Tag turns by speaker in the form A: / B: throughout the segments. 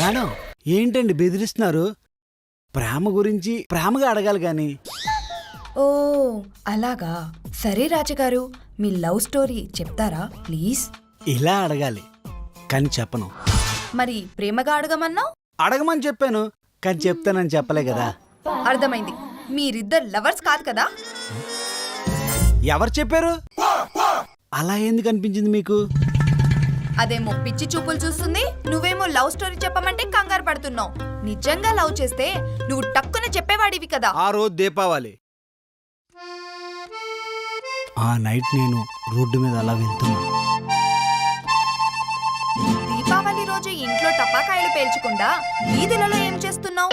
A: Madam ఏంటండి బెదిరిస్తున్నారు? ప్రేమ గురించి ప్రేమగా అడగాలి గాని.
B: ఓ అలాగా. సరే రాజుగారు, మీ లవ్ స్టోరీ చెప్తారా ప్లీజ్?
A: ఇలా అడగాలి కానీ చెప్పను.
B: మరి ప్రేమగా అడగమన్నావు.
A: అడగమని చెప్పాను కానీ చెప్తానని చెప్పలే కదా.
B: అర్థమైంది, మీరిద్దరు లవర్స్ కాదు కదా.
A: ఎవరు చెప్పారు? అలా ఎందుకు అనిపించింది మీకు?
B: అదేమో పిచ్చి చూపులు చూస్తుంది, నువ్వేమో లవ్ స్టోరీ చెప్పమంటే కంగారు పడుతున్నావు. నిజంగా లవ్ చేస్తే నువ్వు టక్కున చెప్పేవాడివి కదా.
A: ఆ రోజు దీపావళి. ఆ నైట్ నేను రోడ్డు మీద అలా వెళ్తున్నా.
B: దీపావళి రోజు ఇంట్లో టపాకాయలు పేల్చకుండా వీధులలో ఏం చేస్తున్నావు?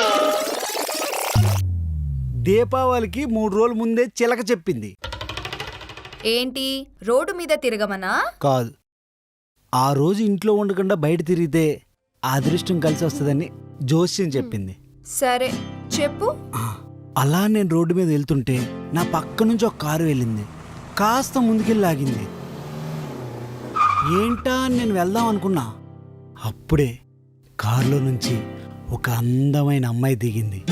A: దీపావళికి 3 రోజుల ముందే చిలక చెప్పింది.
B: ఏంటి రోడ్డు మీద తిరగమనా?
A: కాదు, ఆ రోజు ఇంట్లో ఉండకుండా బయట తిరిగితే అదృష్టం కలిసి వస్తుందని జోస్యం చెప్పింది.
B: సరే చెప్పు.
A: అలా నేను రోడ్డు మీద వెళ్తుంటే నా పక్క నుంచి ఒక కారు వెళ్ళింది. కాస్త ముందుకెళ్ళి ఆగింది. ఏంటా అని నేను వెళ్దాం అనుకున్నా. అప్పుడే కారులో నుంచి ఒక అందమైన అమ్మాయి దిగింది.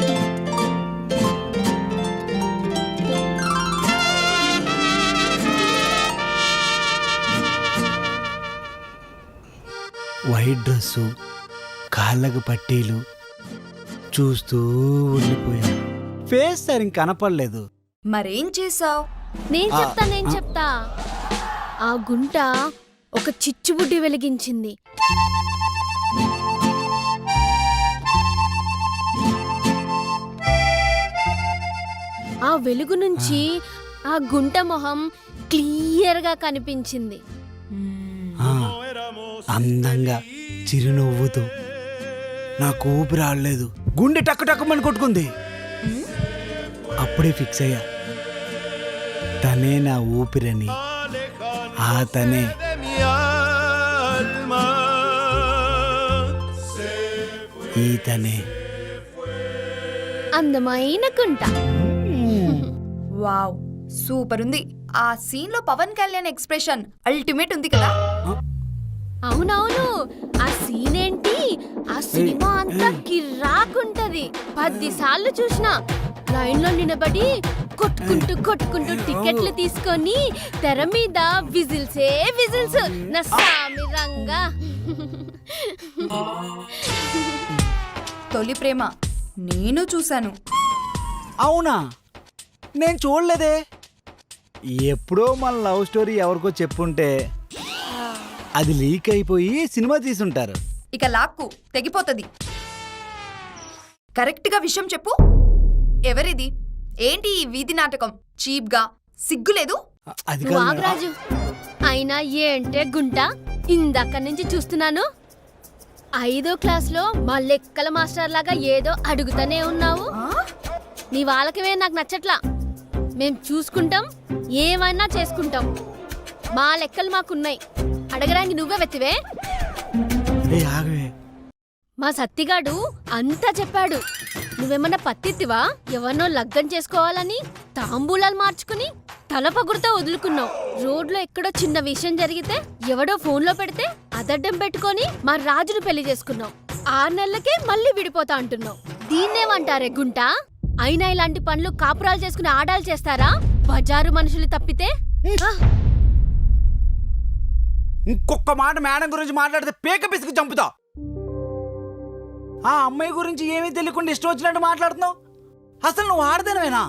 A: వైట్ డ్రెస్సు, కాళ్ళకు పట్టీలు, చూస్తూ ఉండిపోయా. ఫేస్ సరిగ్గా కనపడలేదు.
B: మరేం చేసావు?
C: నేను చెప్తా. ఆ గుంట ఒక చిచ్చుబుడ్డి వెలిగించింది. ఆ వెలుగు నుంచి ఆ గుంట మొహం క్లియర్గా కనిపించింది.
A: అందంగా చిరునవ్వుతో. నాకు ఊపిరి ఆడలేదు, గుండె టక్కు టక్కుమని కొట్టుకుంది. అప్పుడే ఫిక్స్ అయ్యా, తనే నా ఊపిరని. ఆ తనే ఈ తనే
C: అందమైన గుంట.
B: వావ్, సూపర్ ఉంది. ఆ సీన్ లో పవన్ కళ్యాణ్ ఎక్స్ప్రెషన్ అల్టిమేట్ ఉంది కదా.
C: అవునవును, ఆ సీన్ ఏంటి, ఆ సినిమా అంతా కిర్రాకుంటది. 10 సార్లు చూసినా. లైన్ లో నిలబడి కొట్టుకుంటూ టికెట్లు తీసుకొని తెర మీద విజిల్సే విజిల్స్. నా సామి రంగా.
B: తొలి ప్రేమ నేను చూశాను.
A: అవునా? నేను చూడలేదే. ఎప్పుడో మన లవ్ స్టోరీ ఎవరికో చెప్పుంటే అది లీక్ అయిపోయి సినిమా తీసుంటారు.
B: ఇక లాక్కు తెగిపోతుంది. కరెక్ట్ గా విషయం చెప్పు. ఎవరిది? ఏంటి ఈ వీధి నాటకం? చీప్ గా సిగ్గులేదు?
A: అది కాదు మేడం.
C: వాగరాజు, అయినా ఏంటే గుంట, ఇందాక నుంచి చూస్తున్నాను. 5వ క్లాస్లో మా లెక్కల మాస్టర్ లాగా ఏదో అడుగుతానే ఉన్నావు. నీ వాళ్ళకవే నాకు నచ్చట్లా. మేం చూసుకుంటాం, ఏమైనా చేసుకుంటాం. మా లెక్కలు మాకున్నాయి. అడగడానికి నువ్వే వెతివే.
A: ఏ ఆగవే.
C: మా సత్తిగాడు అంతా చెప్పాడు. నువ్వేమన్నా పత్తిత్తివా? ఎవరినో లగ్గం చేసుకోవాలని తాంబూలాలు మార్చుకుని తల పగురుతో వదులుకున్నావు. రోడ్లో ఎక్కడో చిన్న విషయం జరిగితే ఎవడో ఫోన్లో పెడితే అదడ్డం పెట్టుకొని మా రాజును పెళ్లి చేసుకున్నావు. 6 నెలలకే మళ్ళీ విడిపోతా అంటున్నావు. దీన్నేమంటారే గుంట? అయినా ఇలాంటి పనులు కాపురాలు చేసుకుని ఆడాలు చేస్తారా? బజారు మనుషులు తప్పితే.
A: ఇంకొక మాట మేడం గురించి మాట్లాడితే పేక పిసికి చంపుతా. ఆ అమ్మాయి గురించి ఏమీ తెలియకుండా ఇష్టం వచ్చినట్టు మాట్లాడుతున్నావు. అసలు నువ్వు ఆడదానివేనా?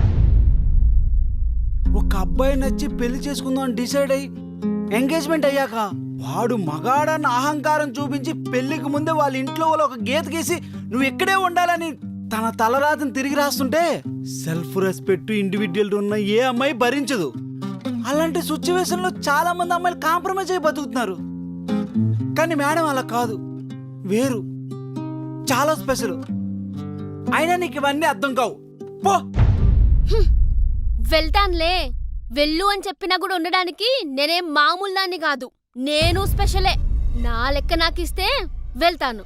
A: ఒక అబ్బాయి నచ్చి పెళ్లి చేసుకుందాం అని డిసైడ్ అయ్యి ఎంగేజ్మెంట్ అయ్యాక వాడు మగాడన్న అహంకారం చూపించి పెళ్లికి ముందే వాళ్ళ ఇంట్లో వాళ్ళు ఒక గీత గీసి నువ్వు ఇక్కడే ఉండాలని తన తలరాతను తిరిగి రాస్తుంటే సెల్ఫ్ రెస్పెక్ట్ ఇండివిడ్యువల్ ఉన్న ఏ అమ్మాయి భరించదు. అలాంటి సిచ్యువేషన్ లో చాలా మంది అమ్మాయిలు కాంప్రమైజ్ అయి బతుకుతున్నారు. కానీ మేడం అలా కాదు, వేరు, చాలా స్పెషల్. అయినా నీకు ఇవన్నీ అర్థం కావు. పో.
C: వెళ్తాన్లే. వెళ్ళు అని చెప్పినా కూడా ఉండడానికి నేనేం మామూలు దాన్ని కాదు. నేను స్పెషలే. నా లెక్క నాకిస్తే వెళ్తాను.